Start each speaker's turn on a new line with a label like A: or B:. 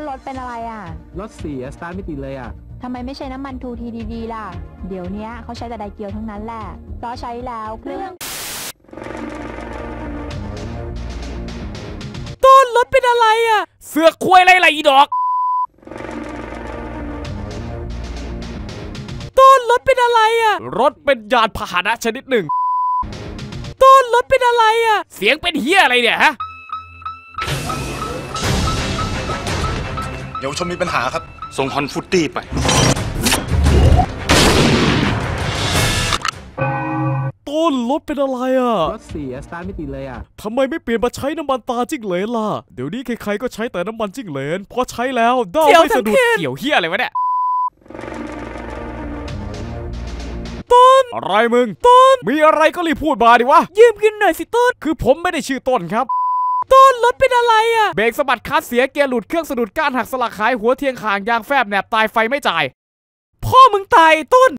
A: รถเป็นอะไรอ่ะ
B: รถเสียสตาร์ทไม่ติดเลยอ่ะ
A: ทำไมไม่ใช้น้ำมันทูทีดีๆล่ะเดี๋ยวนี้เขาใช้แต่ไดเกียวทั้งนั้นแหละเพราะใช้แล้วเครื่อง
C: ต้นรถเป็นอะไรอ่ะเสือกควยอะไรอีดอกต้นรถเป็นอะไรอ่ะรถเป็นยานพาหนะชนิดหนึ่งต้นรถเป็นอะไรอ่ะเสียงเป็นเฮียอะไรเนี่ยฮะ
D: เยาวชนมีปัญหาครับ
E: ส่งฮอนฟุตตี้ไป
C: ต้นรถเป็นอะไรอ่ะ
B: รถเสียสตาร์ทไม่ติดเลยอ่ะ
C: ทำไมไม่เปลี่ยนมาใช้น้ำมันตาจิ้งเหลนล่ะเดี๋ยวนี้ใครๆก็ใช้แต่น้ำมันจิ้งเหลนพอใช้แล้วด้าไม่สะดุดเกี่ยวเฮียอะไรวะเนี่ยต้นอะไรมึงต้นมีอะไรก็รีบพูดมาดิวะยืมกินหน่อยสิต้นคือผมไม่ได้ชื่อต้นครับต้นรถเป็นอะไรอ่ะเบรกสะบัดคลัตช์เสียเกียร์หลุดเครื่องสะดุดก้านหักสลักหายหัวเทียงข่างยางแฟบแหนบตายไฟไม่จ่ายพ่อมึงตายต้น